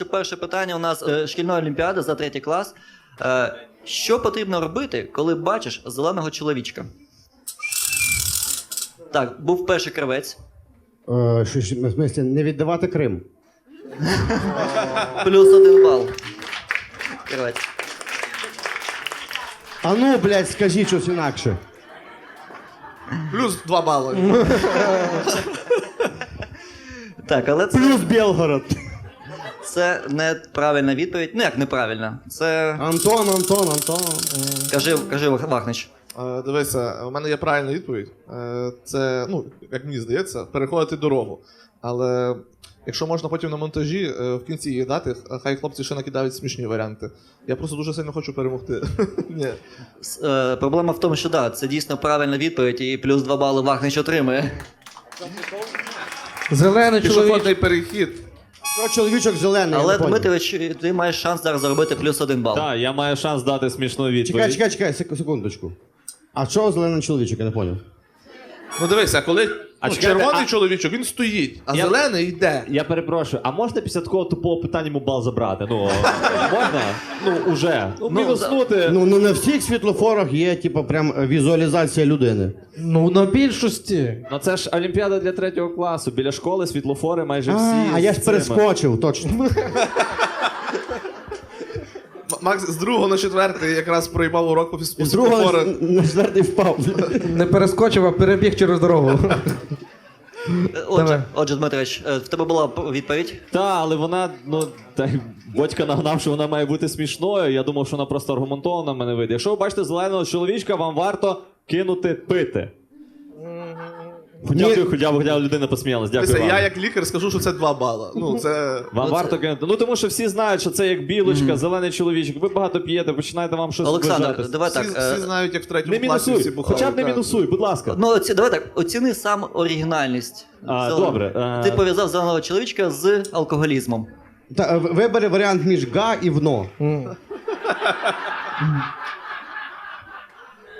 Перше питання у нас шкільної олімпіади за 3 клас. Що потрібно робити, коли бачиш зеленого чоловічка? Так, був перший кравець. В смысле, не віддавати Крим. Плюс 1 бал. Кравець. А ну, блядь, скажіть щось інакше. Плюс 2 бали. Так, але Плюс Білгород. це неправильна відповідь. Ну як неправильна? Це... Антон. Кажи Вахнич. Дивися, у мене є правильна відповідь. Це, ну, як мені здається, переходити дорогу. Але якщо можна потім на монтажі в кінці її дати, хай хлопці ще накидають смішні варіанти. Я просто дуже сильно хочу перемогти. Ні. Проблема в тому, що да, це дійсно правильна відповідь, і плюс 2 бали Вахнич отримує. Зелений чоловік. Пішохідний перехід. Що чоловічок зелений, Але, я не понял. Дмитрович, ти маєш шанс зараз заробити плюс 1 бал. Так, я маю шанс дати смішну відповідь. Чекай, секундочку. А що зелений чоловічок, я не понял. Ну дивися, коли чекайте, червоний чоловічок, він стоїть, а зелений йде. Я перепрошую, а можна після такого тупого питання йому бал забрати? Ну, можна? Ну, уже. Ну, мінуснути. Ну, на всіх світлофорах є, типу, прям візуалізація людини. Ну, на більшості. Ну, це ж Олімпіада для 3 класу. Біля школи світлофори майже всі. А я ж з цими. перескочив, точно. Макс з 2 на 4 якраз проїбав урок по З світлофорах. другого на четвертий впав. Не перескочив, а перебіг через дорогу. Отже, Дмитрович, в тебе була відповідь? Так, але вона, ну, батька нагнав, що вона має бути смішною. Я думав, що вона просто аргументована в мене вийде. Якщо ви бачите зеленого чоловічка, вам варто кинути пити. Хоча б людина посміялась. Дякую Дивися, вам. я як лікар скажу, що це 2 бала. Ну, це... Вам варто кинути. Ну, тому що всі знають, що це як білочка, зелений чоловічок. Ви багато п'єте, починаєте вам щось Олександр, вважати. давай Всі, так. всі знають, як в 3 Не класі мінусуй, всі бухали. хоча б не так. мінусуй, будь ласка. Ну, давай так, оціни сам оригінальність. Добре. Ти пов'язав зеленого чоловічка з алкоголізмом. Вибери варіант між га і вно.